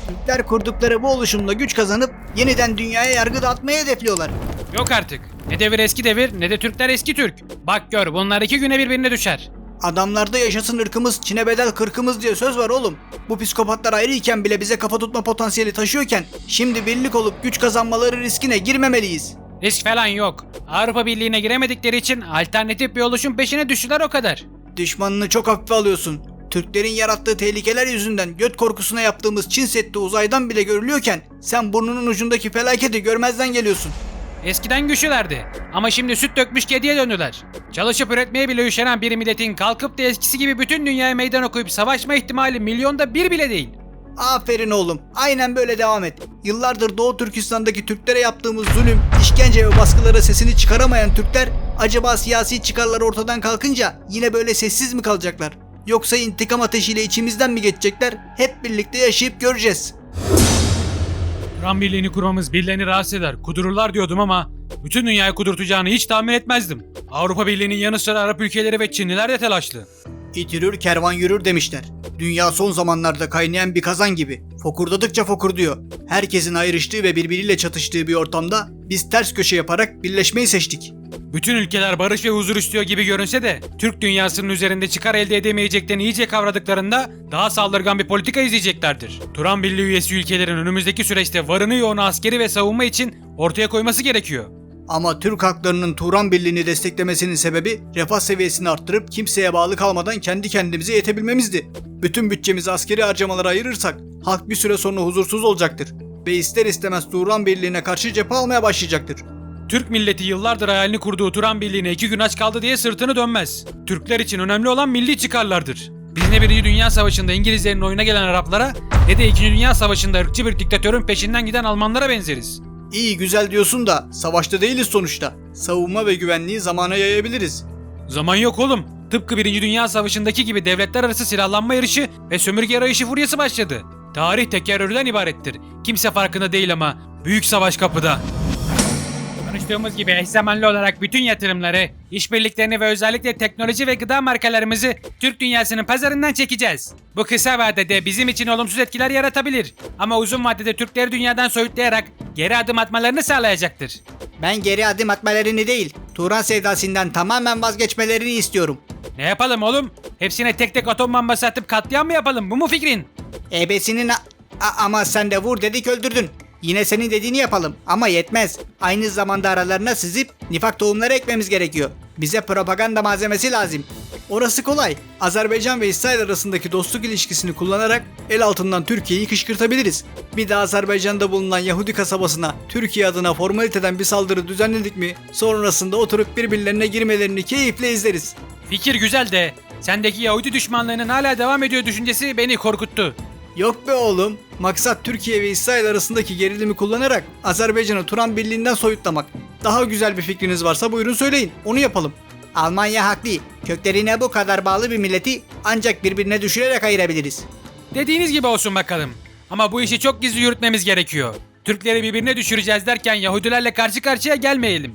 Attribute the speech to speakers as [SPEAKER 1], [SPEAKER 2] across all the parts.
[SPEAKER 1] Türkler kurdukları bu oluşumla güç kazanıp yeniden dünyaya yargı dağıtmayı hedefliyorlar.
[SPEAKER 2] Yok artık. Ne devir eski devir ne de Türkler eski Türk. Bak gör bunlar 2 güne birbirine düşer.
[SPEAKER 1] Adamlarda yaşasın ırkımız, Çin'e bedel kırkımız diye söz var oğlum. Bu psikopatlar ayrıyken bile bize kafa tutma potansiyeli taşıyorken şimdi birlik olup güç kazanmaları riskine girmemeliyiz.
[SPEAKER 2] Risk falan yok. Avrupa Birliği'ne giremedikleri için alternatif bir oluşum peşine düştüler o kadar.
[SPEAKER 1] Düşmanını çok hafife alıyorsun. Türklerin yarattığı tehlikeler yüzünden göt korkusuna yaptığımız Çin Seddi uzaydan bile görülüyorken sen burnunun ucundaki felaketi görmezden geliyorsun.
[SPEAKER 2] Eskiden güçlülerdi ama şimdi süt dökmüş kediye döndüler. Çalışıp üretmeye bile üşenen bir milletin kalkıp da eskisi gibi bütün dünyaya meydan okuyup savaşma ihtimali milyonda bir bile değil.
[SPEAKER 1] Aferin oğlum. Aynen böyle devam et. Yıllardır Doğu Türkistan'daki Türklere yaptığımız zulüm, işkence ve baskılara sesini çıkaramayan Türkler acaba siyasi çıkarlar ortadan kalkınca yine böyle sessiz mi kalacaklar? Yoksa intikam ateşiyle içimizden mi geçecekler? Hep birlikte yaşayıp göreceğiz.
[SPEAKER 2] Turan Birliği'ni kurmamız birilerini rahatsız eder, kudururlar diyordum ama bütün dünyayı kudurtacağını hiç tahmin etmezdim. Avrupa Birliği'nin yanı sıra Arap ülkeleri ve Çinliler de telaşlı.
[SPEAKER 1] İt yürür kervan yürür demişler. Dünya son zamanlarda kaynayan bir kazan gibi. Fokurdadıkça fokurduyor. Herkesin ayrıştığı ve birbiriyle çatıştığı bir ortamda biz ters köşe yaparak birleşmeyi seçtik.
[SPEAKER 2] Bütün ülkeler barış ve huzur istiyor gibi görünse de Türk dünyasının üzerinde çıkar elde edemeyeceklerini iyice kavradıklarında daha saldırgan bir politika izleyeceklerdir. Turan Birliği üyesi ülkelerin önümüzdeki süreçte varını yoğunu askeri ve savunma için ortaya koyması gerekiyor.
[SPEAKER 1] Ama Türk halklarının Turan Birliği'ni desteklemesinin sebebi refah seviyesini arttırıp kimseye bağlı kalmadan kendi kendimize yetebilmemizdi. Bütün bütçemizi askeri harcamalara ayırırsak halk bir süre sonra huzursuz olacaktır ve ister istemez Turan Birliği'ne karşı cephe almaya başlayacaktır.
[SPEAKER 2] Türk milleti yıllardır hayalini kurduğu Turan Birliği'ne 2 gün aç kaldı diye sırtını dönmez. Türkler için önemli olan milli çıkarlardır. Biz ne 1. Dünya Savaşı'nda İngilizlerin oyuna gelen Araplara ne de 2. Dünya Savaşı'nda ırkçı bir diktatörün peşinden giden Almanlara benzeriz.
[SPEAKER 1] İyi güzel diyorsun da savaşta değiliz sonuçta. Savunma ve güvenliği zamana yayabiliriz.
[SPEAKER 2] Zaman yok oğlum. Tıpkı 1. Dünya Savaşı'ndaki gibi devletler arası silahlanma yarışı ve sömürge arayışı furyası başladı. Tarih tekerrürden ibarettir. Kimse farkında değil ama büyük savaş kapıda. Konuştuğumuz gibi eş zamanlı olarak bütün yatırımları, işbirliklerini ve özellikle teknoloji ve gıda markalarımızı Türk dünyasının pazarından çekeceğiz. Bu kısa vadede bizim için olumsuz etkiler yaratabilir ama uzun vadede Türkleri dünyadan soyutlayarak geri adım atmalarını sağlayacaktır.
[SPEAKER 1] Ben geri adım atmalarını değil, Turan sevdasından tamamen vazgeçmelerini istiyorum.
[SPEAKER 2] Ne yapalım oğlum? Hepsine tek tek atom bombası atıp katliam mı yapalım? Bu mu fikrin?
[SPEAKER 1] Ebesinin ama sen de vur dedik öldürdün. Yine senin dediğini yapalım ama yetmez. Aynı zamanda aralarına sızıp nifak tohumları ekmemiz gerekiyor. Bize propaganda malzemesi lazım. Orası kolay. Azerbaycan ve İsrail arasındaki dostluk ilişkisini kullanarak el altından Türkiye'yi kışkırtabiliriz. Bir de Azerbaycan'da bulunan Yahudi kasabasına Türkiye adına formaliteden bir saldırı düzenledik mi sonrasında oturup birbirlerine girmelerini keyifle izleriz.
[SPEAKER 2] Fikir güzel de sendeki Yahudi düşmanlığının hala devam ediyor düşüncesi beni korkuttu.
[SPEAKER 1] Yok be oğlum. Maksat Türkiye ve İsrail arasındaki gerilimi kullanarak Azerbaycan'ı Turan Birliği'nden soyutlamak. Daha güzel bir fikriniz varsa buyurun söyleyin. Onu yapalım. Almanya haklı. Köklerine bu kadar bağlı bir milleti ancak birbirine düşürerek ayırabiliriz.
[SPEAKER 2] Dediğiniz gibi olsun bakalım. Ama bu işi çok gizli yürütmemiz gerekiyor. Türkleri birbirine düşüreceğiz derken Yahudilerle karşı karşıya gelmeyelim.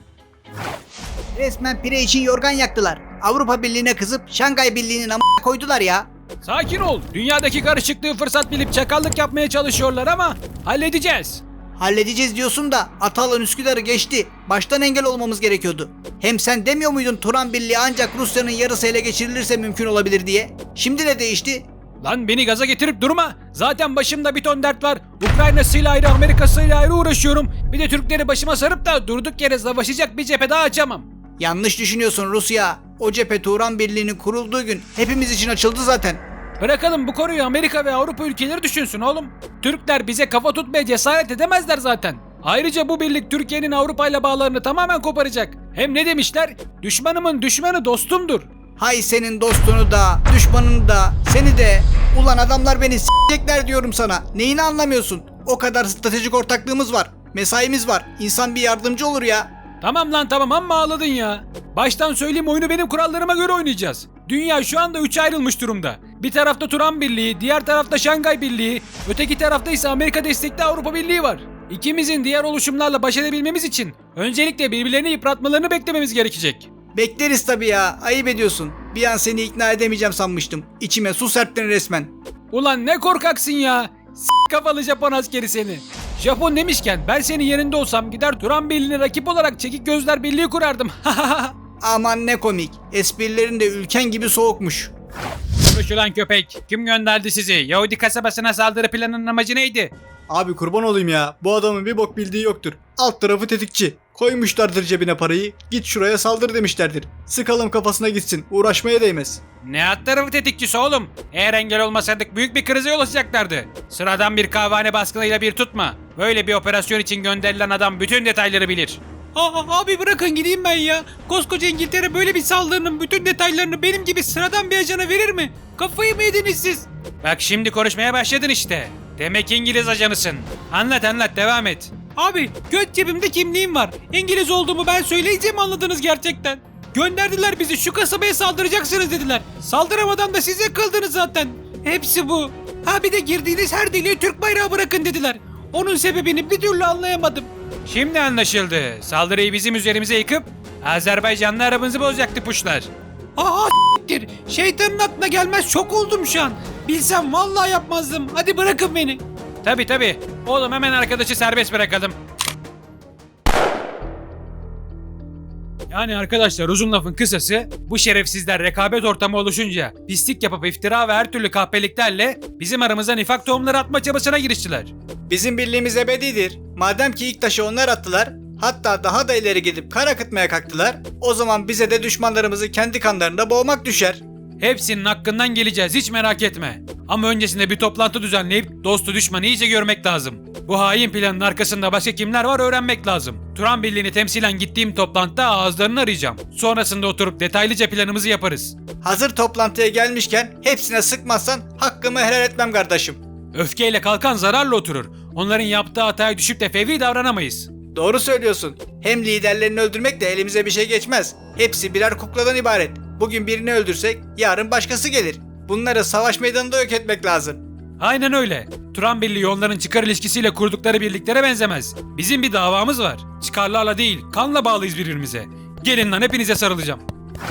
[SPEAKER 1] Resmen pire için yorgan yaktılar. Avrupa Birliği'ne kızıp Şangay Birliği'nin amına koydular ya.
[SPEAKER 2] Sakin ol. Dünyadaki karışıklığı fırsat bilip çakallık yapmaya çalışıyorlar ama halledeceğiz.
[SPEAKER 1] Halledeceğiz diyorsun da Atalan Üsküdar'ı geçti. Baştan engel olmamız gerekiyordu. Hem sen demiyor muydun Turan Birliği ancak Rusya'nın yarısı ele geçirilirse mümkün olabilir diye? Şimdi ne değişti?
[SPEAKER 2] Lan beni gaza getirip durma. Zaten başımda bir ton dert var. Ukrayna'sıyla ayrı, Amerika'sıyla ayrı uğraşıyorum. Bir de Türkleri başıma sarıp da durduk yere savaşacak bir cephe daha açamam.
[SPEAKER 1] Yanlış düşünüyorsun Rusya. O cephe Turan Birliği'nin kurulduğu gün hepimiz için açıldı zaten.
[SPEAKER 2] Bırakalım bu konuyu Amerika ve Avrupa ülkeleri düşünsün oğlum. Türkler bize kafa tutmaya cesaret edemezler zaten. Ayrıca bu birlik Türkiye'nin Avrupa ile bağlarını tamamen koparacak. Hem ne demişler? Düşmanımın düşmanı dostumdur.
[SPEAKER 1] Hay senin dostunu da, düşmanını da, seni de. Ulan adamlar beni s**ecekler diyorum sana. Neyini anlamıyorsun? O kadar stratejik ortaklığımız var. Mesaimiz var. İnsan bir yardımcı olur ya.
[SPEAKER 2] Tamam lan tamam amma ağladın ya. Baştan söyleyeyim oyunu benim kurallarıma göre oynayacağız. Dünya şu anda 3'e ayrılmış durumda. Bir tarafta Turan Birliği, diğer tarafta Şangay Birliği, öteki tarafta ise Amerika destekli Avrupa Birliği var. İkimizin diğer oluşumlarla baş edebilmemiz için öncelikle birbirlerini yıpratmalarını beklememiz gerekecek.
[SPEAKER 1] Bekleriz tabii ya. Ayıp ediyorsun. Bir an seni ikna edemeyeceğim sanmıştım. İçime su serptin resmen.
[SPEAKER 2] Ulan ne korkaksın ya. Kafalı Japon askeri seni. Japon demişken ben senin yerinde olsam gider Turan Birliği'ne rakip olarak Çekik Gözler Birliği kurardım.
[SPEAKER 1] Aman ne komik. Esprilerin de ülken gibi soğukmuş.
[SPEAKER 2] Konuşulan köpek. Kim gönderdi sizi? Yahudi kasabasına saldırı planının amacı neydi?
[SPEAKER 1] Abi kurban olayım ya. Bu adamın bir bok bildiği yoktur. Alt tarafı tetikçi. Koymuşlardır cebine parayı. Git şuraya saldır demişlerdir. Sıkalım kafasına gitsin. Uğraşmaya değmez.
[SPEAKER 2] Ne alt tarafı tetikçisi oğlum? Eğer engel olmasaydık büyük bir krize yol açacaklardı. Sıradan bir kahvehane baskınıyla bir tutma. Böyle bir operasyon için gönderilen adam bütün detayları bilir. Abi bırakın gideyim ben ya. Koskoca İngiltere böyle bir saldırının bütün detaylarını benim gibi sıradan bir ajana verir mi? Kafayı mı yediniz siz? Bak şimdi konuşmaya başladın işte. Demek İngiliz ajanısın. Anlat devam et. Abi göt cebimde kimliğim var. İngiliz olduğumu ben söyleyeceğim anladınız gerçekten. Gönderdiler bizi şu kasabaya saldıracaksınız dediler. Saldıramadan da size kıldınız zaten. Hepsi bu. Ha bir de girdiğiniz her deliğe Türk bayrağı bırakın dediler. Onun sebebini bir türlü anlayamadım. Şimdi anlaşıldı. Saldırıyı bizim üzerimize yıkıp Azerbaycanlı arabamızı bozacaktı puşlar. Aha s**tir. Şeytanın aklına gelmez çok oldum şu an. Bilsem vallahi yapmazdım. Hadi bırakın beni. Tabi. Oğlum hemen arkadaşı serbest bırakalım. Yani arkadaşlar uzun lafın kısası bu şerefsizler rekabet ortamı oluşunca pislik yapıp iftira ve her türlü kahpeliklerle bizim aramıza nifak tohumları atma çabasına giriştiler.
[SPEAKER 1] Bizim birliğimiz ebedidir. Madem ki ilk taşı onlar attılar, hatta daha da ileri gidip kan akıtmaya kalktılar, o zaman bize de düşmanlarımızı kendi kanlarında boğmak düşer.
[SPEAKER 2] Hepsinin hakkından geleceğiz hiç merak etme. Ama öncesinde bir toplantı düzenleyip dostu düşmanı iyice görmek lazım. Bu hain planın arkasında başka kimler var öğrenmek lazım. Turan Birliği'ni temsilen gittiğim toplantıda ağızlarını arayacağım. Sonrasında oturup detaylıca planımızı yaparız.
[SPEAKER 1] Hazır toplantıya gelmişken hepsine sıkmazsan hakkımı helal etmem kardeşim.
[SPEAKER 2] Öfkeyle kalkan zararla oturur. Onların yaptığı hataya düşüp de fevri davranamayız.
[SPEAKER 1] Doğru söylüyorsun. Hem liderlerini öldürmek de elimize bir şey geçmez. Hepsi birer kukladan ibaret. Bugün birini öldürsek yarın başkası gelir. Bunları savaş meydanında yok etmek lazım.
[SPEAKER 2] Aynen öyle. Turan Birliği onların çıkar ilişkisiyle kurdukları birliklere benzemez. Bizim bir davamız var. Çıkarlarla değil, kanla bağlıyız birbirimize. Gelin lan hepinize sarılacağım.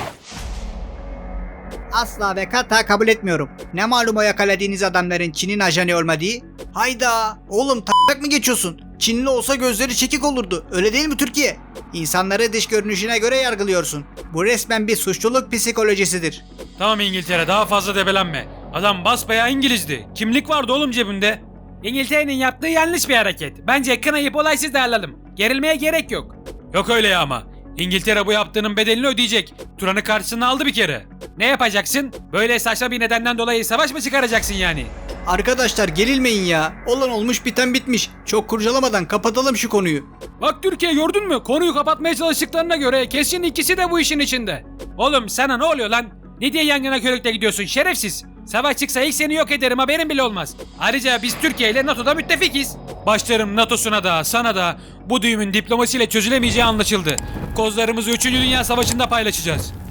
[SPEAKER 1] Asla ve kata kabul etmiyorum. Ne malum o yakaladığınız adamların Çin'in ajanı olmadığı? Hayda! Oğlum tak mı geçiyorsun? Çinli olsa gözleri çekik olurdu. Öyle değil mi Türkiye? İnsanları dış görünüşüne göre yargılıyorsun. Bu resmen bir suçluluk psikolojisidir.
[SPEAKER 2] Tamam İngiltere daha fazla debelenme. Adam basbayağı İngilizdi. Kimlik vardı oğlum cebinde. İngiltere'nin yaptığı yanlış bir hareket. Bence kınayıp olaysız dağılalım. Gerilmeye gerek yok. Yok öyle ya ama. İngiltere bu yaptığının bedelini ödeyecek. Turan'ı karşısına aldı bir kere. Ne yapacaksın? Böyle saçma bir nedenden dolayı savaş mı çıkaracaksın yani?
[SPEAKER 1] Arkadaşlar gerilmeyin ya. Olan olmuş biten bitmiş. Çok kurcalamadan kapatalım şu konuyu.
[SPEAKER 2] Bak Türkiye gördün mü? Konuyu kapatmaya çalıştıklarına göre kesin ikisi de bu işin içinde. Oğlum sana ne oluyor lan? Ne diye yangına körükle gidiyorsun şerefsiz? Savaş çıksa ilk seni yok ederim haberin bile olmaz. Ayrıca biz Türkiye ile NATO'da müttefikiz. Başlarım NATO'suna da sana da bu düğümün diplomasiyle çözülemeyeceği anlaşıldı. Kozlarımızı 3. Dünya Savaşı'nda paylaşacağız.